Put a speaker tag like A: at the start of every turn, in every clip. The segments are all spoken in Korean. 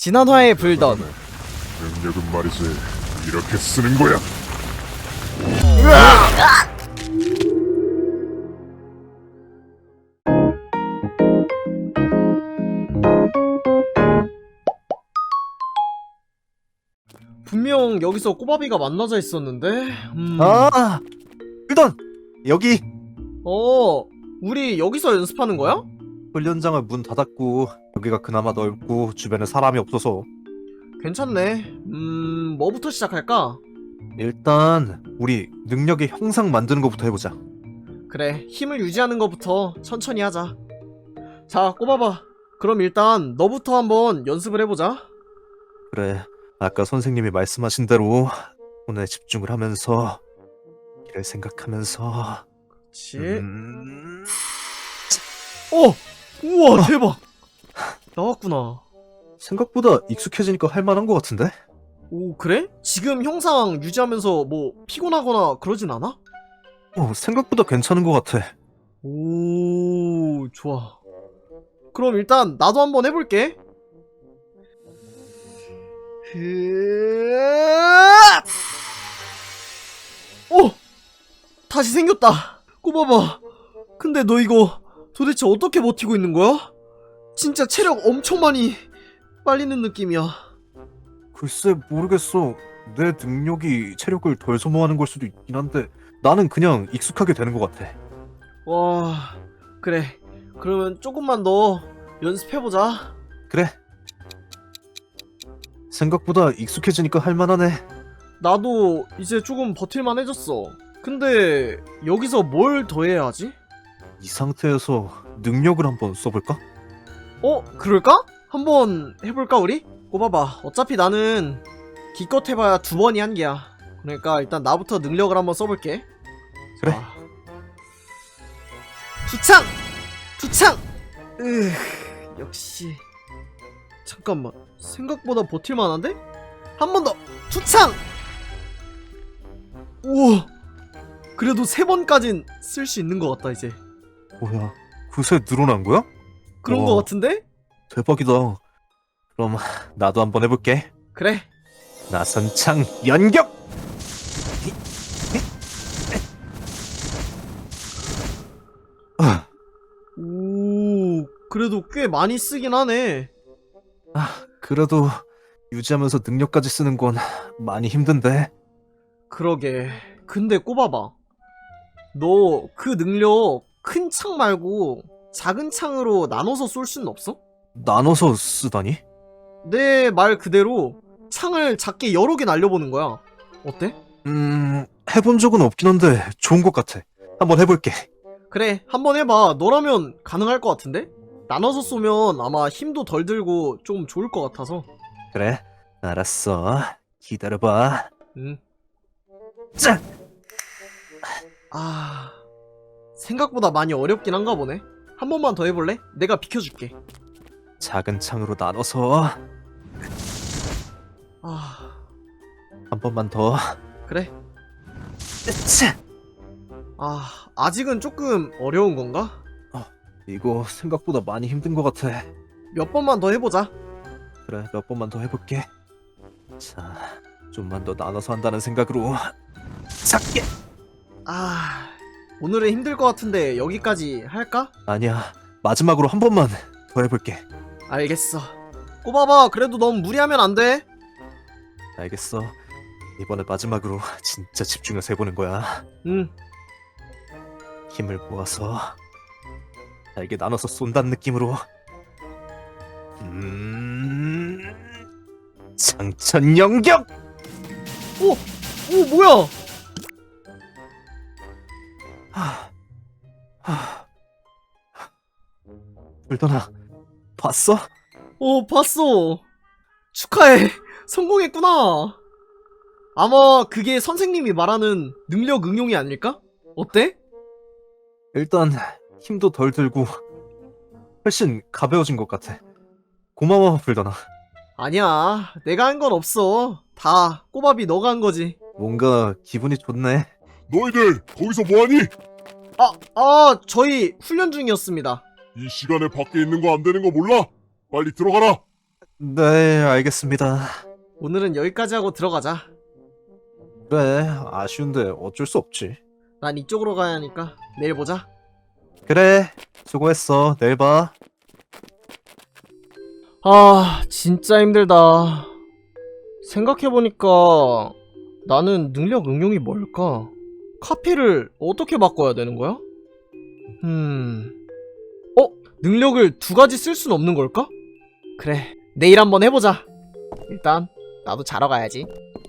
A: 지난화의 불던.
B: 능력은 말이지 이렇게 쓰는 거야.
A: 분명 여기서 꼬바비가 만나자 했었는데.
C: 아, 일단 여기
A: 우리 여기서 연습하는 거야?
C: 훈련장을 문 닫았고 여기가 그나마 넓고 주변에 사람이 없어서
A: 괜찮네. 뭐부터 시작할까?
C: 일단 우리 능력의 형상 만드는 것부터 해보자.
A: 그래, 힘을 유지하는 것부터 천천히 하자. 자, 꼬바봐. 그럼 일단 너부터 한번 연습을 해보자.
C: 그래, 아까 선생님이 말씀하신 대로 손에 집중을 하면서 길을 생각하면서
A: 그렇지. 우와, 대박. 나왔구나.
C: 생각보다 익숙해지니까 할만한 것 같은데?
A: 오, 그래? 지금 형상 유지하면서 뭐 피곤하거나 그러진 않아?
C: 생각보다 괜찮은 것 같아.
A: 오, 좋아. 그럼 일단 나도 한번 해볼게. 다시 생겼다. 꼬봐봐. 근데 너 이거 도대체 어떻게 버티고 있는 거야? 진짜 체력 엄청 많이 빨리는 느낌이야.
C: 글쎄 모르겠어. 내 능력이 체력을 덜 소모하는 걸 수도 있긴 한데 나는 그냥 익숙하게 되는 것 같아.
A: 와, 그래. 그러면 조금만 더 연습해보자.
C: 그래. 생각보다 익숙해지니까 할만하네.
A: 나도 이제 조금 버틸만 해졌어. 근데 여기서 뭘 더 해야 하지?
C: 이 상태에서 능력을 한번 써볼까?
A: 그럴까? 한번 해볼까 우리? 꼽아봐. 어차피 나는 기껏 해봐야 2번이 한계야. 그러니까 일단 나부터 능력을 한번 써볼게.
C: 그래.
A: 자. 투창! 투창! 역시. 잠깐만, 생각보다 버틸만한데? 한 번 더! 투창! 우와, 그래도 3번까진 쓸 수 있는 것 같다 이제.
C: 뭐야, 그새 늘어난 거야?
A: 그런 것 같은데?
C: 대박이다. 그럼 나도 한번 해볼게.
A: 그래.
C: 나선창 연격!
A: 오, 그래도 꽤 많이 쓰긴 하네.
C: 그래도 유지하면서 능력까지 쓰는 건 많이 힘든데.
A: 그러게. 근데 꼽아봐. 너 그 능력 큰 창 말고 작은 창으로 나눠서 쏠 수는 없어?
C: 나눠서 쓰다니?
A: 내 말 그대로 창을 작게 여러 개 날려보는 거야. 어때?
C: 해본 적은 없긴 한데 좋은 것 같아. 한번 해볼게.
A: 그래, 한번 해봐. 너라면 가능할 것 같은데? 나눠서 쏘면 아마 힘도 덜 들고 좀 좋을 것 같아서.
C: 그래, 알았어. 기다려봐.
A: 응.
C: 짠!
A: 생각보다 많이 어렵긴 한가 보네. 한 번만 더 해볼래? 내가 비켜줄게.
C: 작은 창으로 나눠서 한 번만 더.
A: 그래.
C: 짠!
A: 아직은 조금 어려운 건가?
C: 이거 생각보다 많이 힘든 것 같아.
A: 몇 번만 더 해보자.
C: 그래, 몇 번만 더 해볼게. 자, 좀만 더 나눠서 한다는 생각으로 작게.
A: 오늘은 힘들 것 같은데 여기까지 할까?
C: 아니야, 마지막으로 한 번만 더 해볼게.
A: 알겠어. 꼽아봐. 그래도 너무 무리하면 안 돼.
C: 알겠어. 이번에 마지막으로 진짜 집중해서 해보는 거야.
A: 응.
C: 힘을 모아서 잘게 나눠서 쏜다는 느낌으로. 장천 영격!
A: 오, 뭐야?
C: 불더나, 봤어?
A: 봤어. 축하해. 성공했구나. 아마 그게 선생님이 말하는 능력 응용이 아닐까? 어때?
C: 일단 힘도 덜 들고 훨씬 가벼워진 것 같아. 고마워, 불더나.
A: 아니야. 내가 한 건 없어. 다 꼬밥이 너가 한 거지.
C: 뭔가 기분이 좋네.
B: 너희들 거기서 뭐하니?
A: 저희 훈련 중이었습니다.
B: 이 시간에 밖에 있는 거 안 되는 거 몰라? 빨리 들어가라.
C: 네, 알겠습니다.
A: 오늘은 여기까지 하고 들어가자.
C: 그래, 아쉬운데 어쩔 수 없지.
A: 난 이쪽으로 가야 하니까 내일 보자.
C: 그래, 수고했어. 내일 봐.
A: 아, 진짜 힘들다. 생각해보니까 나는 능력 응용이 뭘까? 카피를 어떻게 바꿔야 되는 거야? 능력을 두 가지 쓸 순 없는 걸까? 그래, 내일 한번 해보자. 일단 나도 자러 가야지.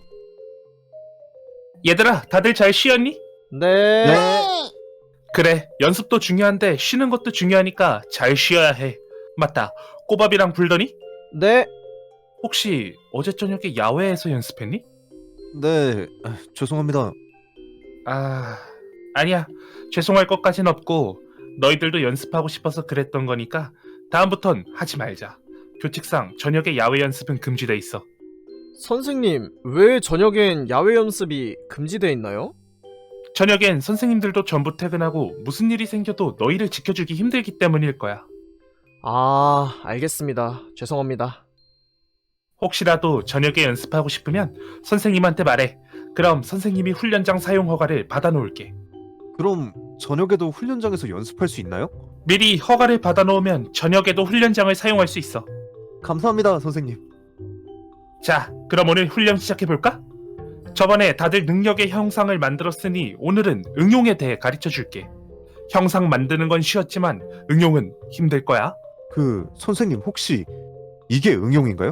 D: 얘들아, 다들 잘 쉬었니?
A: 네.
D: 그래, 연습도 중요한데 쉬는 것도 중요하니까 잘 쉬어야 해. 맞다, 꼬밥이랑 불더니?
A: 네.
D: 혹시 어제 저녁에 야외에서 연습했니?
C: 네, 죄송합니다.
D: 아니야. 죄송할 것까진 없고 너희들도 연습하고 싶어서 그랬던 거니까 다음부턴 하지 말자. 규칙상 저녁에 야외 연습은 금지돼 있어.
A: 선생님, 왜 저녁엔 야외 연습이 금지돼 있나요?
D: 저녁엔 선생님들도 전부 퇴근하고 무슨 일이 생겨도 너희를 지켜주기 힘들기 때문일 거야.
A: 아, 알겠습니다. 죄송합니다.
D: 혹시라도 저녁에 연습하고 싶으면 선생님한테 말해. 그럼 선생님이 훈련장 사용 허가를 받아놓을게.
C: 그럼 저녁에도 훈련장에서 연습할 수 있나요?
D: 미리 허가를 받아놓으면 저녁에도 훈련장을 사용할 수 있어.
C: 감사합니다, 선생님.
D: 자, 그럼 오늘 훈련 시작해볼까? 저번에 다들 능력의 형상을 만들었으니 오늘은 응용에 대해 가르쳐줄게. 형상 만드는 건 쉬웠지만 응용은 힘들 거야.
C: 선생님 혹시 이게 응용인가요?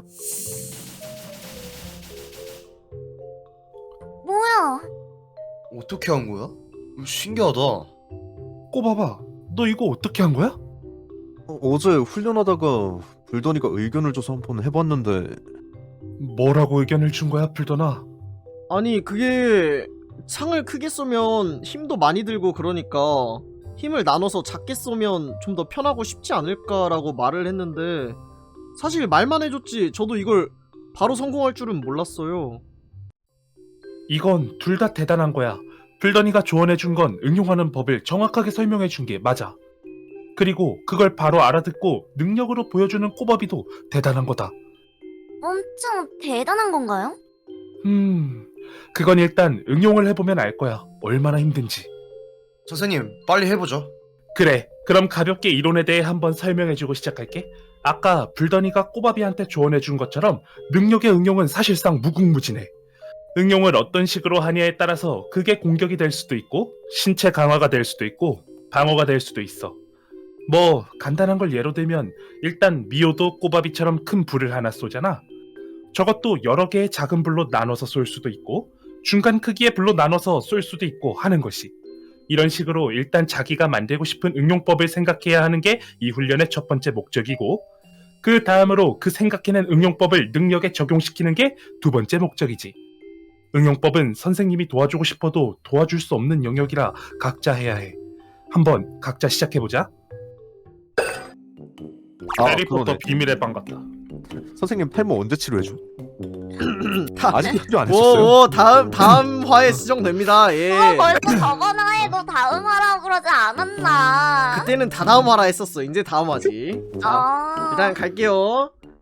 E: 뭐야?
F: 어떻게 한 거야? 신기하다.
D: 꼬봐봐, 너 이거 어떻게 한 거야?
C: 어제 훈련하다가 불더니가 의견을 줘서 한번 해봤는데
D: 뭐라고 의견을 준 거야, 불더나?
A: 아니, 그게 창을 크게 쏘면 힘도 많이 들고 그러니까 힘을 나눠서 작게 쏘면 좀 더 편하고 쉽지 않을까라고 말을 했는데 사실 말만 해줬지 저도 이걸 바로 성공할 줄은 몰랐어요.
D: 이건 둘 다 대단한 거야. 불더니가 조언해준 건 응용하는 법을 정확하게 설명해준 게 맞아. 그리고 그걸 바로 알아듣고 능력으로 보여주는 꼬바비도 대단한 거다.
E: 엄청 대단한 건가요?
D: 그건 일단 응용을 해보면 알 거야. 얼마나 힘든지.
F: 선생님, 빨리 해보죠.
D: 그래, 그럼 가볍게 이론에 대해 한번 설명해주고 시작할게. 아까 불더니가 꼬바비한테 조언해준 것처럼 능력의 응용은 사실상 무궁무진해. 응용을 어떤 식으로 하냐에 따라서 그게 공격이 될 수도 있고 신체 강화가 될 수도 있고 방어가 될 수도 있어. 뭐 간단한 걸 예로 들면 일단 미호도 꼬바비처럼 큰 불을 하나 쏘잖아. 저것도 여러 개의 작은 불로 나눠서 쏠 수도 있고 중간 크기의 불로 나눠서 쏠 수도 있고 하는 것이. 이런 식으로 일단 자기가 만들고 싶은 응용법을 생각해야 하는 게 이 훈련의 첫 번째 목적이고 그 다음으로 그 생각해낸 응용법을 능력에 적용시키는 게 두 번째 목적이지. 응용법은 선생님이 도와주고 싶어도 도와줄 수 없는 영역이라 각자 해야 해. 한번 각자 시작해보자. 해리포터
C: 그러네.
D: 비밀의 방 같다.
C: 선생님 탈모 언제 치료해줘?
A: 다,
C: 아직도 치료 안 했었어요?
A: 오, 다음 화에 수정됩니다. 예.
E: 벌써 저번 화에도 다음 화라고 그러지 않았나?
A: 그때는 다다음 화라 했었어. 이제 다음 화지. 자,
E: 아.
A: 일단 갈게요.